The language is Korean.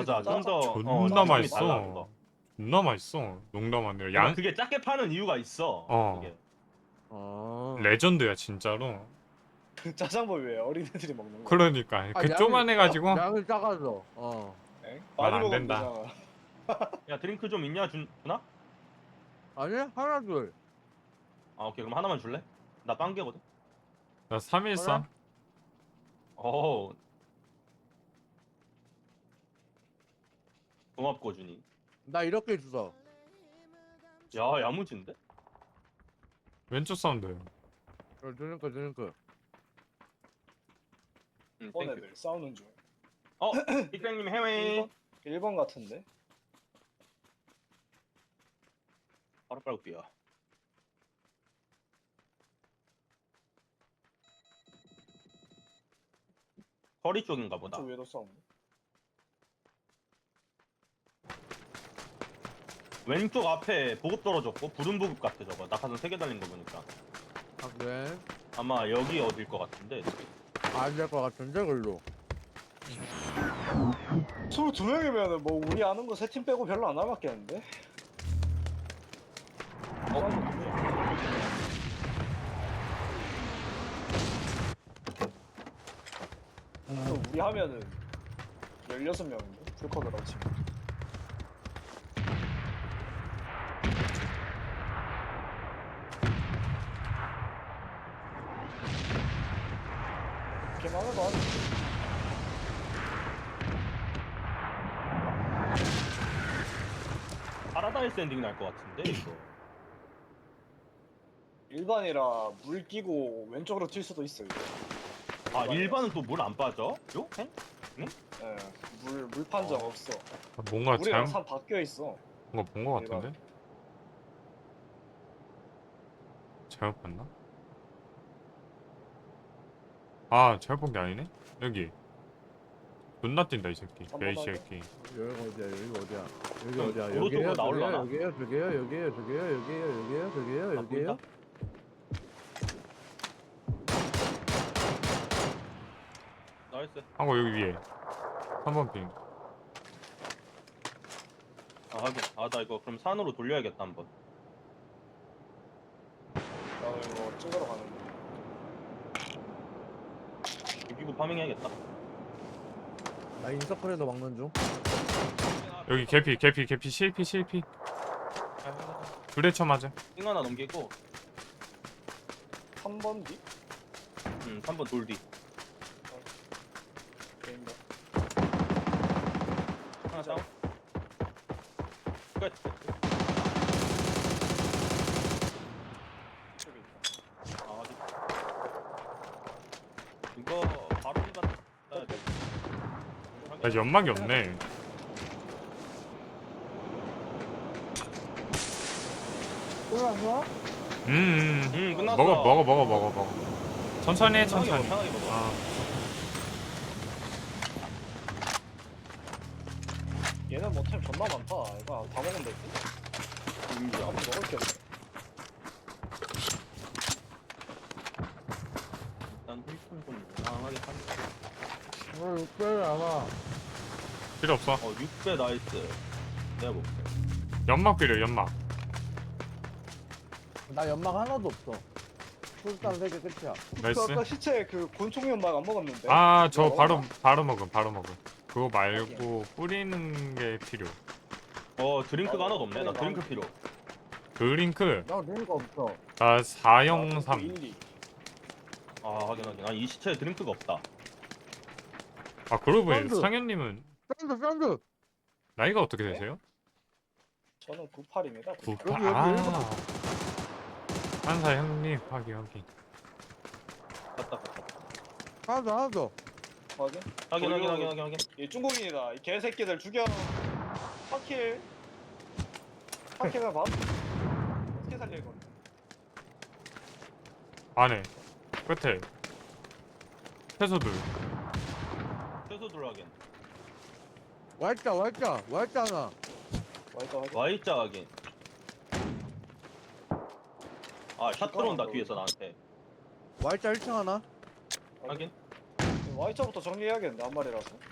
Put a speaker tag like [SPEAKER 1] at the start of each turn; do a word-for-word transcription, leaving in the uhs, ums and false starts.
[SPEAKER 1] 주자. 좀 더
[SPEAKER 2] 존나
[SPEAKER 1] 어, 느낌이
[SPEAKER 2] 맛있어.
[SPEAKER 1] 달라, 그거.
[SPEAKER 2] 존나 맛있어. 농담 아니라
[SPEAKER 1] 그러니까
[SPEAKER 2] 양
[SPEAKER 1] 그게 작게 파는 이유가 있어.
[SPEAKER 2] 어.
[SPEAKER 1] 그게.
[SPEAKER 3] 어.
[SPEAKER 2] 레전드야 진짜로.
[SPEAKER 4] 짜장면 왜 어린애들이 먹는 거야?
[SPEAKER 2] 그러니까
[SPEAKER 3] 아,
[SPEAKER 2] 그
[SPEAKER 3] 양이-
[SPEAKER 2] 쪼만해 가지고
[SPEAKER 3] 양이 작아서. 어.
[SPEAKER 4] 엥?
[SPEAKER 2] 말
[SPEAKER 4] 많이
[SPEAKER 2] 안
[SPEAKER 4] 먹으면
[SPEAKER 2] 된다.
[SPEAKER 4] 되잖아.
[SPEAKER 1] 야 드링크 좀 있냐 준 주나?
[SPEAKER 3] 아니 하나 둘.
[SPEAKER 1] 아 오케이 그럼 하나만 줄래? 나 빵개거든.
[SPEAKER 2] 나 삼일삼.
[SPEAKER 1] 어. 고맙고 준이.
[SPEAKER 3] 나 이렇게 주서.
[SPEAKER 1] 야 야무진데?
[SPEAKER 2] 왼쪽 사운드.
[SPEAKER 3] 어, 드링크 드링크.
[SPEAKER 1] 응
[SPEAKER 4] 일본
[SPEAKER 1] 땡큐.
[SPEAKER 4] 애들 싸우는 중.
[SPEAKER 1] 어 빅뱅님 해외.
[SPEAKER 4] 일 번? 일 번 같은데?
[SPEAKER 1] 바로 빨고 뛰어. 허리 쪽인가 보다.
[SPEAKER 4] 저 위에도 싸우네.
[SPEAKER 1] 왼쪽 앞에 보급 떨어졌고 부른 보급 같아 저거. 낙하산 세 개 달린 거 보니까.
[SPEAKER 3] 아 그래?
[SPEAKER 1] 아마 여기 어딜 것 같은데.
[SPEAKER 3] 안될 것 같은데 글로.
[SPEAKER 4] 스물두 명이면은 뭐 우리 아는 거 세 팀 빼고 별로 안 남았겠는데? 또 우리 하면은 열여섯 명인데? 풀커드라고 치면. 이렇게만 해도 하지.
[SPEAKER 1] 파라다이스 엔딩 날 것 같은데 이거.
[SPEAKER 4] 일반이라 물 끼고 왼쪽으로 튈 수도 있어 이거.
[SPEAKER 1] 아 일반은 또 물 안 빠져? 요? 행?
[SPEAKER 4] 예, 물, 물 판정
[SPEAKER 1] 어.
[SPEAKER 4] 없어.
[SPEAKER 2] 뭔가
[SPEAKER 4] 물이랑
[SPEAKER 2] 잘못
[SPEAKER 4] 산 바뀌어 있어.
[SPEAKER 2] 뭔가 본 거 같은데. 잘못 봤나? 아 잘못 본 게 아니네. 여기 존나 뛴다 이 새끼. 야이 새끼.
[SPEAKER 3] 여기 어디야? 여기 어디야? 여기
[SPEAKER 1] 그럼
[SPEAKER 3] 어디야?
[SPEAKER 1] 도로
[SPEAKER 3] 여기에요?
[SPEAKER 1] 쪽으로 나올라나?
[SPEAKER 3] 여기에요? 저기에요? 여기에요? 저기에요? 여기에요? 여기에요? 저기에요?
[SPEAKER 1] 아,
[SPEAKER 3] 여기에요?
[SPEAKER 1] 보인다? 나이스.
[SPEAKER 2] 한거 여기 위에. 삼 번 핑.
[SPEAKER 1] 아 하긴. 아나 이거 그럼 산으로 돌려야겠다 한번.
[SPEAKER 4] 나 이거 찍으러 가는데.
[SPEAKER 1] 여기고 파밍해야겠다.
[SPEAKER 3] 나 인서클에도 막는 중.
[SPEAKER 2] 여기 개피 개피 개피 실피 실피. 둘에 쳐 맞아.
[SPEAKER 1] 띵 하나 넘기고.
[SPEAKER 4] 한 번 뒤?
[SPEAKER 1] 음 한 번 돌 뒤.
[SPEAKER 4] 게임다.
[SPEAKER 1] 하나 다운. 끝.
[SPEAKER 4] 저기 있다.
[SPEAKER 1] 아 어디? 이거 바로 이가 따야 돼.
[SPEAKER 2] 나 연막이 없네.
[SPEAKER 3] 안 좋아?
[SPEAKER 2] 음, 음.
[SPEAKER 1] 음 끝났어.
[SPEAKER 2] 먹어 먹어 먹어 먹어 먹어. 천천히 해
[SPEAKER 1] 편하게 먹어,
[SPEAKER 2] 천천히.
[SPEAKER 1] 편하게 먹어.
[SPEAKER 2] 아
[SPEAKER 4] 얘는 뭐 템 존나 많다. 이거 다 먹으면 되지?
[SPEAKER 1] 인정.
[SPEAKER 4] 한번 먹을 게 없네.
[SPEAKER 1] 일단 힐끔 좀 강하게 하니까.
[SPEAKER 3] 어, 육배를 알아.
[SPEAKER 2] 필요 없어.
[SPEAKER 1] 어 육 배 나이스. 내가 볼게.
[SPEAKER 2] 연막 필요 연막.
[SPEAKER 3] 나 연막 하나도 없어. 풀스탄 세 개 끝이야.
[SPEAKER 4] 그
[SPEAKER 2] 나이스.
[SPEAKER 4] 아까 시체 그 곤충 연막 안 먹었는데?
[SPEAKER 2] 아 저
[SPEAKER 4] 이거
[SPEAKER 2] 바로
[SPEAKER 4] 먹나?
[SPEAKER 2] 바로 먹음 바로 먹음. 그거 말고 뿌리는 게 필요.
[SPEAKER 1] 어 드링크가
[SPEAKER 4] 어,
[SPEAKER 1] 하나도 없네. 나
[SPEAKER 4] 그래,
[SPEAKER 1] 드링크
[SPEAKER 4] 나-
[SPEAKER 1] 필요.
[SPEAKER 2] 드링크
[SPEAKER 3] 나 드링크 없어.
[SPEAKER 2] 나 사영삼.
[SPEAKER 4] 인리.
[SPEAKER 1] 아 확인 확인. 아이 시체에 드링크가 없다.
[SPEAKER 2] 아 그러고 보니
[SPEAKER 3] 사운드.
[SPEAKER 2] 상현님은
[SPEAKER 3] 샌드 샌드.
[SPEAKER 2] 나이가 어떻게 되세요?
[SPEAKER 4] 저는 구십팔입니다.
[SPEAKER 2] 구십팔.
[SPEAKER 3] 여기, 여기
[SPEAKER 2] 아
[SPEAKER 3] 일본.
[SPEAKER 2] 한사 형님 확인 확인.
[SPEAKER 1] 갔다 갔다.
[SPEAKER 3] 하나 더 하나 더.
[SPEAKER 4] 확인?
[SPEAKER 1] 확인 확인
[SPEAKER 4] 돌려-
[SPEAKER 1] 확인 확인 확인.
[SPEAKER 4] 얘 중국인이다. 이 개새끼들 죽여. 파킬. 파킬가 봐. 어떻게 살릴 건데?
[SPEAKER 2] 안에 끝에 채소들.
[SPEAKER 1] 최소 둘 확인.
[SPEAKER 3] 와있자 와있자 와있자 하나.
[SPEAKER 4] 와이드 확인.
[SPEAKER 1] Y자 확인. 아샷 들어온다 뒤에서 나한테.
[SPEAKER 3] 와있자 일 층 하나.
[SPEAKER 1] 확인.
[SPEAKER 4] 와이차부터 정리해야겠는데 한 마리라서.